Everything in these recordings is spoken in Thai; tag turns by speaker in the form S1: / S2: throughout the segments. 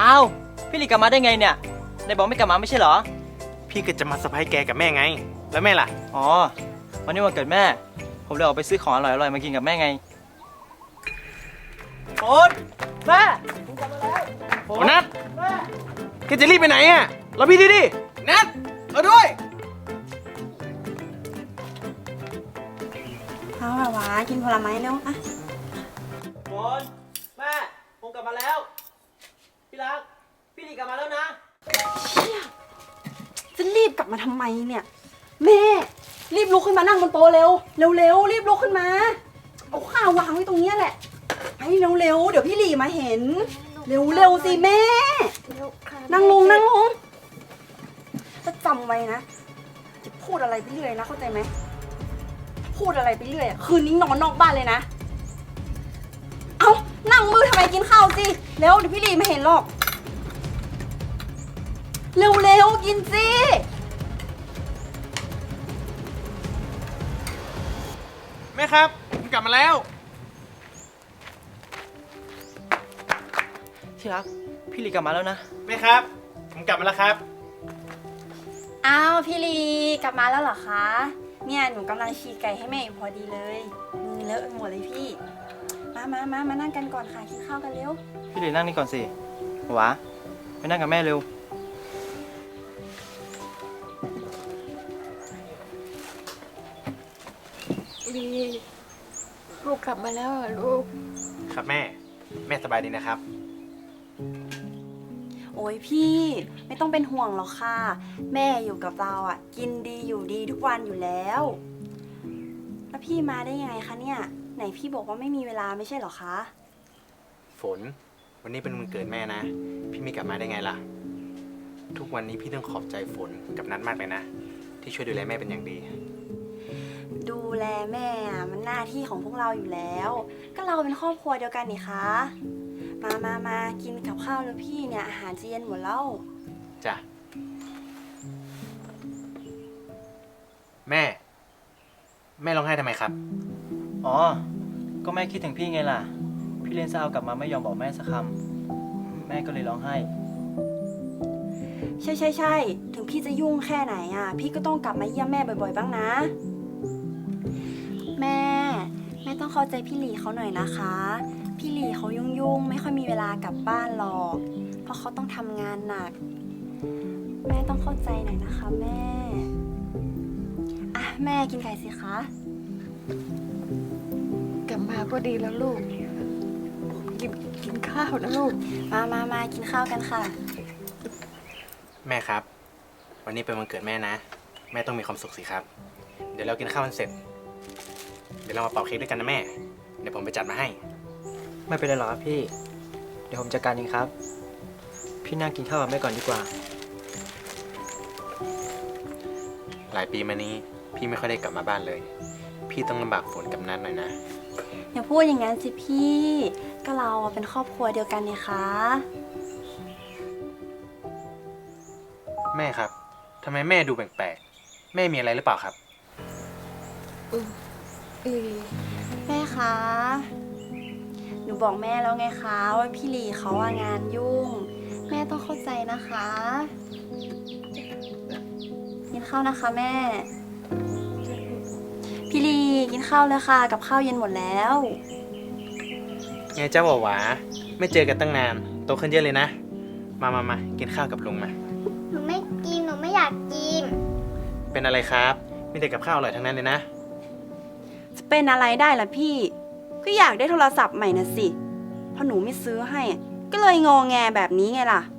S1: อ้าวพี่หลีกลับมาได้ไงเนี่ยนายบอกไม่กลับมาไม่ใช่เหรอ
S2: พี่ก็จะมาเซอร์ไพรส์แกกับแม่ไงแล้วแม่ล่ะ
S1: อ๋อวันนี้วันเกิดแม่ผมเลยออกไปซื้อของอร่อยๆมากินกับแม่ไงฝนแม่ผมกลับมาแล้ว
S2: โอ้นัท
S1: แม่
S2: แกจะรีบไปไหนอ่ะรอพี่ดินัทเอาด้วย
S3: เอาละวะกินผลไม้เร็วอะ
S1: ฝนแม่ผมกลับมาแล้วพี่รักพี่หลีกลับมาแล้วนะ
S3: จะรีบกลับมาทำไมเนี่ยแม่รีบลุกขึ้นมานั่งบนโต๊ะเร็วเร็วรีบลุกขึ้นมาเอาข้าววางไว้ตรงนี้แหละไปเร็วเดี๋ยวพี่หลีมาเห็นเร็วสิแม่นั่งลงจะจำไว้นะจะพูดอะไรไปเรื่อยนะเข้าใจไหมพูดอะไรไปเรื่อยคืนนี้นอนนอกบ้านเลยนะเอานั่งมือทำไมกินข้าวสิเร็วเดี๋ยวพี่หลีมาเห็นหรอกเร็วกินสิ
S2: แม่ครับผมกลับมาแล้ว
S1: ที่รักพี่หลีกลับมาแล้วนะ
S2: แม่ครับผมกลับมาแล้วครับ
S3: อ้าวพี่ลีกลับมาแล้วเหรอคะเนี่ยหนูกำลังฉีกไก่ให้แม่อยู่พอดีเลยมือเลอะไปหมดเลยพี่มานั่งกันก่อนค่ะกินข้าวกันเร็ว
S1: พี่หลีนั่งนี่ก่อนสิหวาไปนั่งกับแม่เร็ว
S4: ลีลูกกลับมาแล้วเหรอลูก
S2: ครับแม่สบายดีนะครับ
S3: โอ้ยพี่ไม่ต้องเป็นห่วงหรอกค่ะแม่อยู่กับเราอ่ะกินดีอยู่ดีทุกวันอยู่แล้วแล้วพี่มาได้ยังไงคะเนี่ยไหนพี่บอกว่าไม่มีเวลาไม่ใช่หรอคะ
S2: ฝนวันนี้เป็นวันเกิดแม่นะพี่ไม่กลับมาได้ไงล่ะทุกวันนี้พี่ต้องขอบใจฝนกับนัทมากเลยนะที่ช่วยดูแลแม่เป็นอย่างดี
S3: ดูแลแม่มันหน้าที่ของพวกเราอยู่แล้วก็เราเป็นครอบครัวเดียวกันนี่คะมากินกับข้าวแล้วพี่เนี่ยอาหารจะเย็นหมดแล้ว
S2: จ้ะแม่ร้องไห้ทำไมครับ
S1: อ๋อก็แม่คิดถึงพี่ไงล่ะพี่เลี้ยงซาวกลับมาไม่ยอมบอกแม่สักคำแม่ก็เลยร้องไห้
S3: ใช่ถึงพี่จะยุ่งแค่ไหนอ่ะพี่ก็ต้องกลับมาเยี่ยมแม่บ่อยๆบ้างนะแม่ต้องเข้าใจพี่หลีเขาหน่อยนะคะพี่หลีเขายุ่งไม่ค่อยมีเวลากลับบ้านหรอกเพราะเขาต้องทำงานหนักแม่ต้องเข้าใจหน่อยนะคะแม่อ่ะแม่กินไก่สิคะ
S4: กลับมาก็ดีแล้วลูกกินข้าวนะลูก
S3: มากินข้าวกันค่ะ
S2: แม่ครับวันนี้เป็นวันเกิดแม่นะแม่ต้องมีความสุขสิครับเดี๋ยวเรากินข้าวกันเสร็จเดี๋ยวเรามาเป่าเค้กด้วยกันนะแม่เดี๋ยวผมไปจัดมาให้
S1: ไม่เป็นไรหรอกครับพี่เดี๋ยวผมจัดการเองครับพี่นั่งกินข้าวกับแม่ก่อนดีกว่า
S2: หลายปีมานี้พี่ไม่ค่อยได้กลับมาบ้านเลยพี่ต้องลำบากฝนกับนัทหน่อยนะ
S3: อย่าพูดอย่างนั้นสิพี่ก็เราเป็นครอบครัวเดียวกันนี่คะ
S2: แม่ครับทำไมแม่ดูแปลกๆแม่มีอะไรหรือเปล่าครับ
S3: แม่คะหนูบอกแม่แล้วไงคะว่าพี่หลีเขางานยุ่งแม่ต้องเข้าใจนะคะกินข้าวนะคะแม่พี่หลีกินข้าวเลยค่ะกับข้าวเย็นหมดแล้ว
S2: ไงเจ้าหวาไม่เจอกันตั้งนานโตขึ้นเยอะเลยนะมากินข้าวกับลุงมา
S5: หนูไม่กินหนูไม่อยากกิน
S2: เป็นอะไรครับมีแต่กับข้าวอร่อยทั้งนั้นเลยนะ
S3: จะเป็นอะไรได้ล่ะพี่ก็อยากได้โทรศัพท์ใหม่น่ะสิพอหนูไม่ซื้อให้ก็เลยงอแงแบบนี้ไงล่ะ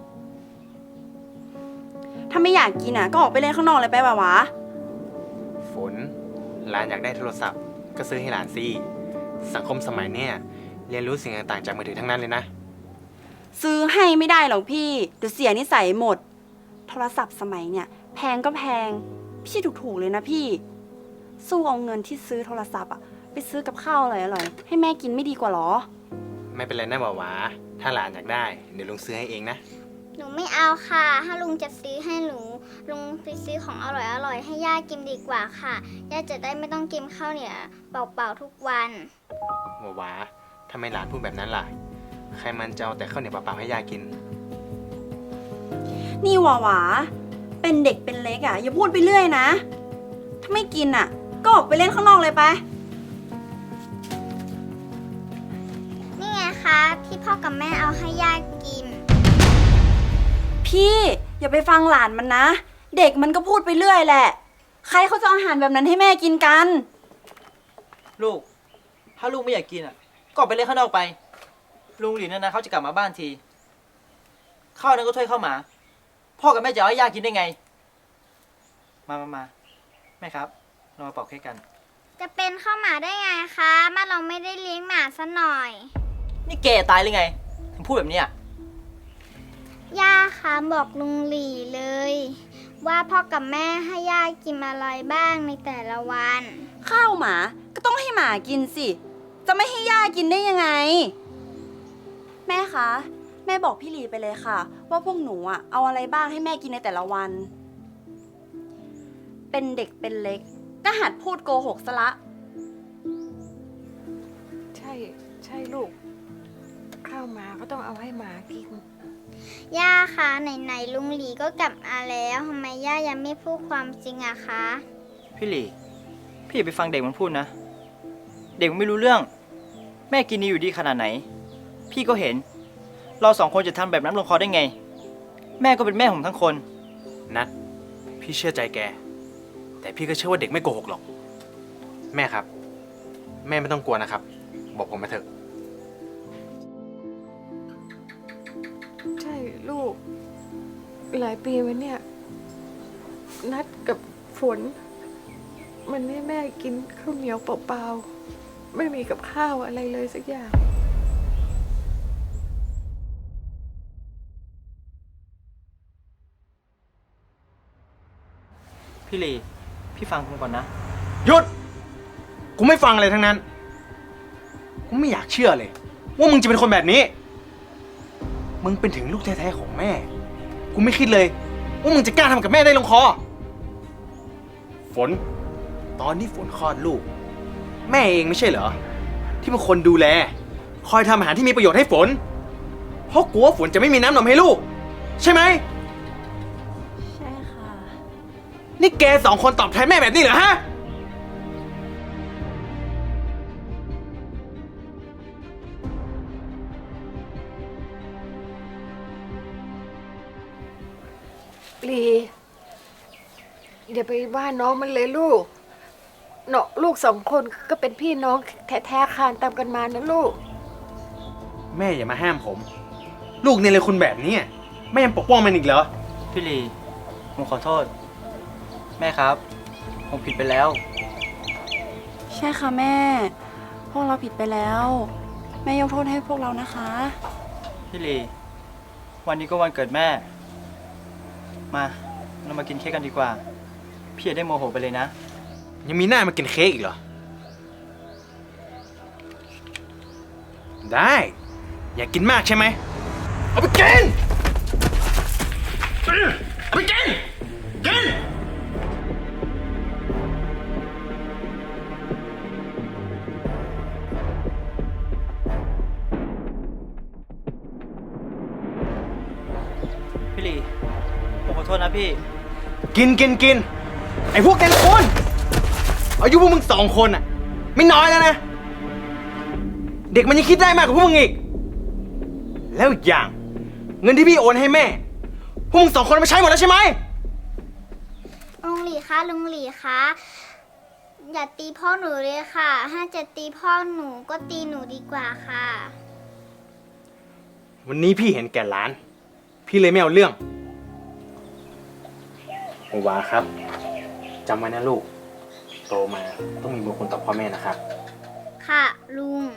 S3: ถ้าไม่อยากกินก็ออกไปเล่นข้างนอกเลยไปป่าวะ
S2: ฝนหลานอยากได้โทรศัพท์ก็ซื้อให้หลานสิสังคมสมัยเนี้ยเรียนรู้สิ่งต่างๆจากมือถือทั้งนั้นเลยนะ
S3: ซื้อให้ไม่ได้หรอกพี่เดี๋ยวเสียนิสัยหมดโทรศัพท์สมัยเนี่ยแพงก็แพงไม่ใช่ถูกๆเลยนะพี่สู้เอาเงินที่ซื้อโทรศัพท์ไปซื้อกับข้าวอร่อยๆให้แม่กินไม่ดีกว่าหรอ
S2: ไม่เป็นไรนะหวาถ้าหลานอยากได้เดี๋ยวลุงซื้อให้เองนะ
S5: หนูไม่เอาค่ะถ้าลุงจะซื้อให้หนูลุงไปซื้อของอร่อยให้ย่ากินดีกว่าค่ะย่าจะได้ไม่ต้องกินข้าวเหนียวเปล่าๆทุกวัน
S2: หวาทำไมหลานพูดแบบนั้นล่ะใครมันจะเอาแต่ข้าวเหนียวเปล่าๆให้ย่ากิน
S3: นี่หวาหวาเป็นเด็กเป็นเล็กอ่ะอย่าพูดไปเรื่อยนะ ถ้าไม่กินอ่ะ ก็ออกไปเล่นข้างนอกเลยไป
S5: นี่ไงคะที่พ่อกับแม่เอาให้ย่ากิน
S3: พี่อย่าไปฟังหลานมันนะ เด็กมันก็พูดไปเรื่อยแหละ ใครเขาจะเอาอาหารแบบนั้นให้แม่กินกัน
S1: ลูก ถ้าลูกไม่อยากกินอ่ะ ก็ออกไปเล่นข้างนอกไป ลุงหลินนั่นนะเขาจะกลับมาบ้านที ข้าวนั้นก็ถ้วยข้าวหมา พ่อกับแม่จะเอาให้ย่ากินได้ไง มาแม่ครับ เรามาปอกเค้กกัน
S5: จะเป็นข้าวหมาได้ไงคะบ้านเราไม่ได้เลี้ยงหมาซะหน่อย
S1: นี่แกตายหรือไง ถึงพูดแบบนี้อ่ะ
S5: ย่าคะบอกลุงหลีเลย ว่าพ่อกับแม่ให้ย่ากินอะไรบ้างในแต่ละวัน
S3: ข้าวหมาก็ต้องให้หมากินสิ จะไม่ให้ย่ากินได้ยังไง แม่คะ แม่บอกพี่หลีไปเลยค่ะ ว่าพวกหนูอ่ะเอาอะไรบ้างให้แม่กินในแต่ละวัน เป็นเด็กเป็นเล็กก็หัดพูดโกหกซะละ
S4: ใช่ลูก ข้าวหมาก็ต้องเอาให้หมากิน
S5: ย่าคะไหนลุงหลีก็กลับมาแล้วทำไมย่ายังไม่พูดความจริงอะคะ
S1: พี่หลี พี่อย่าไปฟังเด็กมันพูดนะ เด็กมันไม่รู้เรื่อง แม่กินดีอยู่ดีขนาดไหน พี่ก็เห็น เราสองคนจะทำแบบนั้นลงคอได้ไง แม่ก็เป็นแม่ผมทั้งคน
S2: นัดพี่เชื่อใจแก แต่พี่ก็เชื่อว่าเด็กไม่โกหกหรอก แม่ครับ แม่ไม่ต้องกลัวนะครับ บอกผมมาเถอะ
S4: ใช่ลูก หลายปีมาเนี่ย นัดกับฝน มันให้แม่กินข้าวเหนียวเปล่าๆ ไม่มีกับข้าวอะไรเลยสักอย่าง
S1: พี่หลี พี่ฟังผมก่อนนะ
S2: หยุด กูไม่ฟังอะไรทั้งนั้น กูไม่อยากเชื่อเลย ว่ามึงจะเป็นคนแบบนี้ มึงเป็นถึงลูกแท้ๆของแม่ กูไม่คิดเลย ว่ามึงจะกล้าทำกับแม่ได้ลงคอ ฝน ตอนที่ฝนคลอดลูก แม่เองไม่ใช่เหรอ ที่เป็นคนดูแล คอยทำอาหารที่มีประโยชน์ให้ฝน เพราะกลัวฝนจะไม่มีน้ำนมให้ลูก ใช่ไหม
S3: ใช่ค่ะ
S2: นี่แกสองคนตอบแทนแม่แบบนี้เหรอฮะ
S4: ลีอย่าไปว่าน้องมันเลยลูกเนาะลูกสองคนก็เป็นพี่น้องแท้ๆคานตามกันมานะลูก
S2: แม่อย่ามาห้ามผม ลูกเนี่ยเลยคุณแบบนี้แม่ยังปกป้องมันอีกเหรอ
S1: พี่หลี ผมขอโทษ แม่ครับ ผมผิดไปแล้ว
S3: ใช่ค่ะแม่ พวกเราผิดไปแล้ว แม่ยกโทษให้พวกเรานะคะ
S1: พี่หลี วันนี้ก็วันเกิดแม่ มาเรามากินเค้กกันดีกว่า พี่อย่าได้โมโหไปเลยนะ
S2: ยังมีหน้ามากินเค้กอีกเหรอ ได้ อยากกินมากใช่ไหม เอาไปกินเอาไปกิน กิน
S1: พี่หลี ผมขอโทษนะพี่
S2: กิน ไอ้พวกแกงคนอายุพวกมึงสองคนอะไม่น้อยแล้วนะ เด็กมันยังคิดได้มากกว่าพวกมึงอีก แล้วอีกอย่าง เงินที่พี่โอนให้แม่ พวกมึงสองคนเอาไปใช้หมดแล้วใช่ไหม
S5: ลุงหลีคะลุงหลีคะอย่าตีพ่อหนูเลยค่ะ ถ้าจะตีพ่อหนูก็ตีหนูดีกว่าค่ะ
S2: วันนี้พี่เห็นแก่ร้าน พี่เลยไม่เอาเรื่องโอวาครับจำไว้นะลูก โตมาต้องมีบุญคุณต่อพ่อแม่นะครับ
S5: ค่ะลุง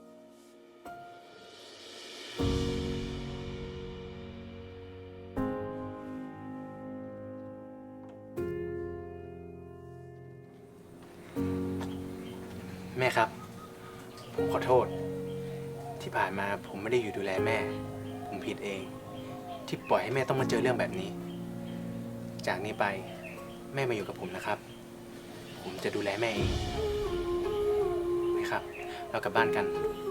S2: แม่ครับ ผมขอโทษ ที่ผ่านมาผมไม่ได้อยู่ดูแลแม่ ผมผิดเอง ที่ปล่อยให้แม่ต้องมาเจอเรื่องแบบนี้ จากนี้ไปแม่มาอยู่กับผมนะครับ ผมจะดูแลแม่เองนะครับ เรากลับบ้านกัน